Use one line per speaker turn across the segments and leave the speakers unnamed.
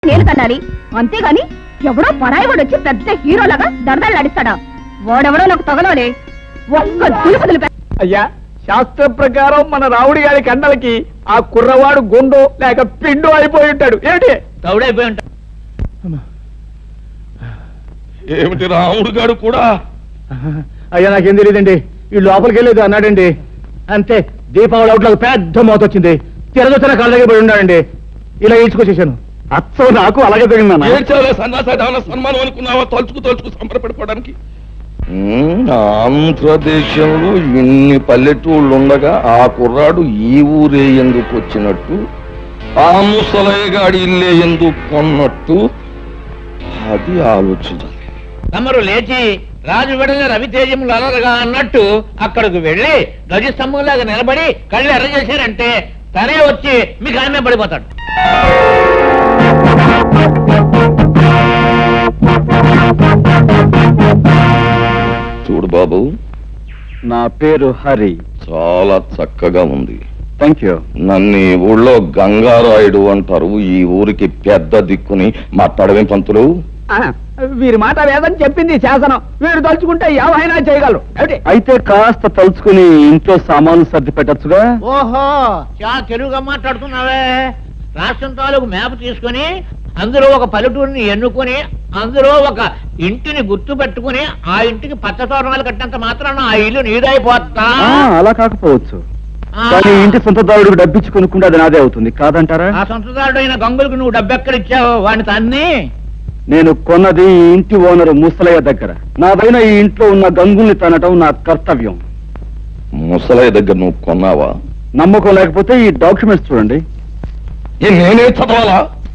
నేను కట్టాలి అంతేగాని ఎవడో పరాయి వాడు వచ్చి పెద్ద హీరోలాగా దడదలు నడిస్తాడా? వాడెవడో నాకు తగలోనే ఒక్క దులుపుదులు.
అయ్యా, శాస్త్ర ప్రకారం మన రావుడి గారి కండలకి ఆ కుర్రవాడు గుండో లేక పిండు అయిపోయి ఉంటాడు. ఏమిటి
తౌడైపోయి ఉంటాడు.
ఏమిటి రాముడు గారు కూడా?
అయ్యా, నాకేం తెలియదండి. ఈ లోపలికి వెళ్ళేది అన్నాడండి. అంతే, దీపావళి అవుట్లకు పెద్ద మోత వచ్చింది. తిరగొచ్చిన కళ్ళ దగ్గర పడి ఉన్నాడండి. ఇలా ఈడ్చుకొచ్చేసాను. అచ్చం నాకు అలాగే తగిన
సన్మానం అనుకున్నావా? తలుచుకు సంబరపడిపోవడానికి. ఆంధ్రదేశంలో ఇన్ని పల్లెటూళ్ళు ఉండగా ఆ కుర్రాడు ఈ ఊరే ఎందుకు వచ్చినట్టు, ఆ ముసలయ్యగాడి ఇల్లే ఎందుకు కొన్నట్టు, అది ఆలోచించాలి.
తమరు లేచి రాజు వెడల రవితేజములు అలరగా అన్నట్టు అక్కడికి వెళ్లి ధ్వజస్తంభంలాగా నిలబడి కళ్ళు ఎర్ర చేశారంటే తనే వచ్చి మీకు ఆమె పడిపోతాడు.
చూడు బాబు,
నా పేరు హరి.
చాలా చక్కగా ఉంది.
Thank you.
నన్ను ఈ ఊళ్ళో గంగారాయుడు అంటారు. ఈ ఊరికి పెద్ద దిక్కుని మాట్లాడవేం పంతులు?
వీరి మాట వేదని చెప్పింది శాసనం. వీరు తలుచుకుంటే ఏమైనా చేయగలరు.
అయితే కాస్త తలుచుకుని ఇంట్లో సామాన్లు సర్ది పెట్టచ్చుగా.
ఓహో, చాలా తెలుగుగా మాట్లాడుతున్నావే. రాష్ట్రం తాలూకు మ్యాప్ తీసుకుని అందులో ఒక పల్లెటూరిని ఎన్నుకొని అందులో ఒక ఇంటిని గుర్తు పెట్టుకుని ఆ ఇంటికి పచ్చ తోరణాలు కట్టినంత మాత్రాన ఆ ఇల్లు నీదైపోతా.
అలా కాకపోవచ్చు, కానీ ఇంటి సొంతదారుడికి డబ్బిచ్చి కొనుక్కుంటే అది నాదే అవుతుంది కాదంటారా?
ఆ సొంతదారుడు అయిన గంగులకు నువ్వు డబ్బెక్కడిచ్చావు? వాడిని తన్ని.
నేను కొన్నది ఈ ఇంటి ఓనరు ముసలయ్య దగ్గర. నాదైన ఈ ఇంట్లో ఉన్న గంగుల్ని తనటం నా కర్తవ్యం.
ముసలయ్య దగ్గర నువ్వు కొన్నావా?
నమ్మకం లేకపోతే ఈ డాక్యుమెంట్స్ చూడండి.
నేనే చదవాలా?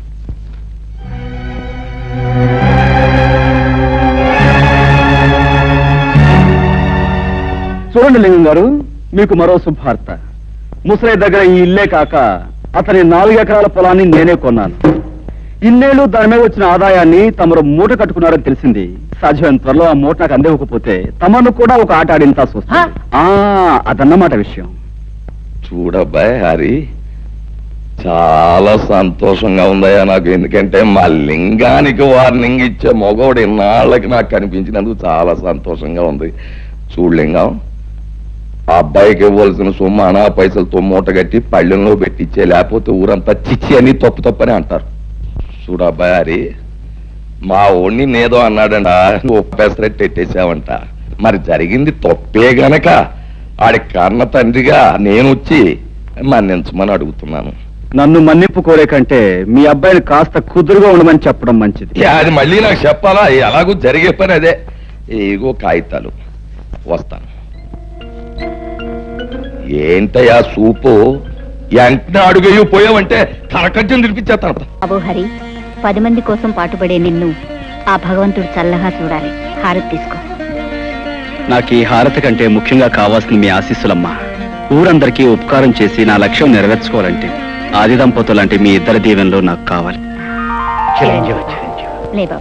చూడండి లింగం గారు, మీకు మరో శుభార్త. ముసలయ్య దగ్గర ఈ ఇల్లే కాక అతని 4 ఎకరాల పొలాన్ని నేనే కొన్నాను. ఇన్నేళ్లు దాని మీద వచ్చిన ఆదాయాన్ని తమరు మూట కట్టుకున్నారని తెలిసింది. సాధ్యమైన త్వరలో ఆ మూట నాకు అందివ్వకపోతే తమను కూడా ఒక ఆట ఆడించాల్సి వస్తుంది. అదన్నమాట విషయం.
చూడబ్బాయ్ హరి, చాలా సంతోషంగా ఉందయ్యా నాకు. ఎందుకంటే మా లింగానికి వార్నింగ్ ఇచ్చే మగవాడు ఇన్నాళ్ళకి నాకు కనిపించినందుకు చాలా సంతోషంగా ఉంది. చూడు లింగం, ఆ అబ్బాయికి ఇవ్వాల్సిన సొమ్ము అనా పైసలతో మూట కట్టి పళ్ళెంలో పెట్టించే, లేకపోతే ఊరంతా చిచ్చి అని తప్పని అంటారు. చూడు అబ్బాయి హరి, మా ఓణ్ణి నేదో అన్నాడంట, ఒప్పేసరెట్టు ఎట్టేసావంట. మరి జరిగింది తప్పే గనక ఆడి కన్న తండ్రిగా నేను వచ్చి మన్నించమని అడుగుతున్నాను.
నన్ను మన్నింపు కోరే కంటే మీ అబ్బాయిని కాస్త కుదురుగా ఉండమని చెప్పడం మంచిది.
అది మళ్ళీ నాకు చెప్పాలా? ఎలాగూ జరిగే పని అదే. ఏగో కాగితాలు, వస్తాను. ఏంటయ్యా సూపు, వెంటనే అడుగు పోయావంటే కరకజ్జం తినిపించేస్తాను.
బాబు హరి, 10 మంది కోసం పాటుపడే నిన్ను ఆ భగవంతుడు చల్లగా చూడాలి. హారతి తీసుకో.
నాకు ఈ హారతి కంటే ముఖ్యంగా కావాల్సిన మీ ఆశీస్సులమ్మా. ఊరందరికీ ఉపకారం చేసి నా లక్ష్యం నెరవేర్చుకోవాలంటే ఆది దంపతులు అంటే మీ ఇద్దరి దీవెనలో నాకు కావాలి.
లే బాబు.